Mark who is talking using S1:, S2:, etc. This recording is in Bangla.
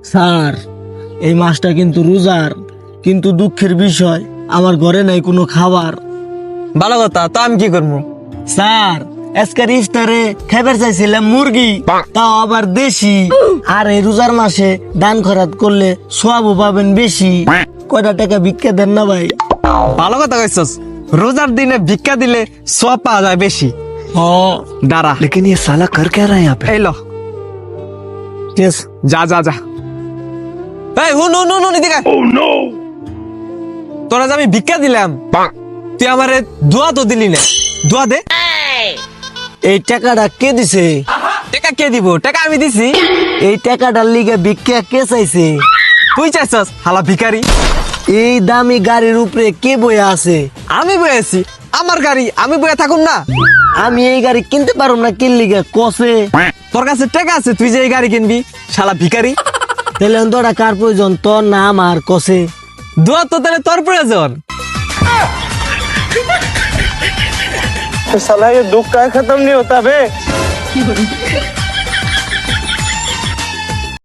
S1: স্যার এই মাসটা কিন্তু রোজার, কিন্তু দুঃখের বিষয় আমার ঘরে নাই কোনো খাবার।
S2: ভালো কথা, তো আমি কি করবো?
S1: স্যার আজকের ইফতারে খাবার চাইছিলাম মুরগি, তাও আবার দেশি। আর এই রোজার মাসে দান খরাত করলে সওয়াবও পাবেন বেশি। কয়টা টাকা ভিক্ষা দেন না ভাই?
S2: ভালো কথা কইছস, রোজার দিনে ভিক্ষা দিলে সওয়াব পাওয়া যায় বেশি। দাঁড়া,
S3: लेकिन ये साला कर क्या रहा है यहाँ पे?
S2: এই ল,
S1: Yes.
S2: যা যা যা। এই হুন হুন হুন এদিকে। তোরা যে আমি ভিক্ষা দিলাম, তুই আমারে দোয়া তো দিলি না, দোয়া দে।
S1: এই টাকাটা কে দিছে?
S2: টাকা কে দিব? টাকা আমি দিছি।
S1: এই টাকাটার লিগে ভিক্ষা কে চাইছে?
S2: তুই চাইছস হালা ভিখারি।
S1: এই দামি গাড়ির উপরে কে বয়ে আছে?
S2: আমি বয়েছি, আমার গাড়ি, আমি বয়ে থাকুম না?
S1: আমি এই গাড়ি কিনতে পারব না, কিন লিগে কসে?
S2: তোর কাছে টাকা আছে, তুই যে এই গাড়ি কিনবি, শালা ভিখারি।
S1: তাহলে তোরা কার প্রয়োজন, তোর না আমার? কসে
S2: দোয়া তো তাহলে তোর প্রয়োজন।
S4: साला ये दुख का खत्म नहीं होता बे।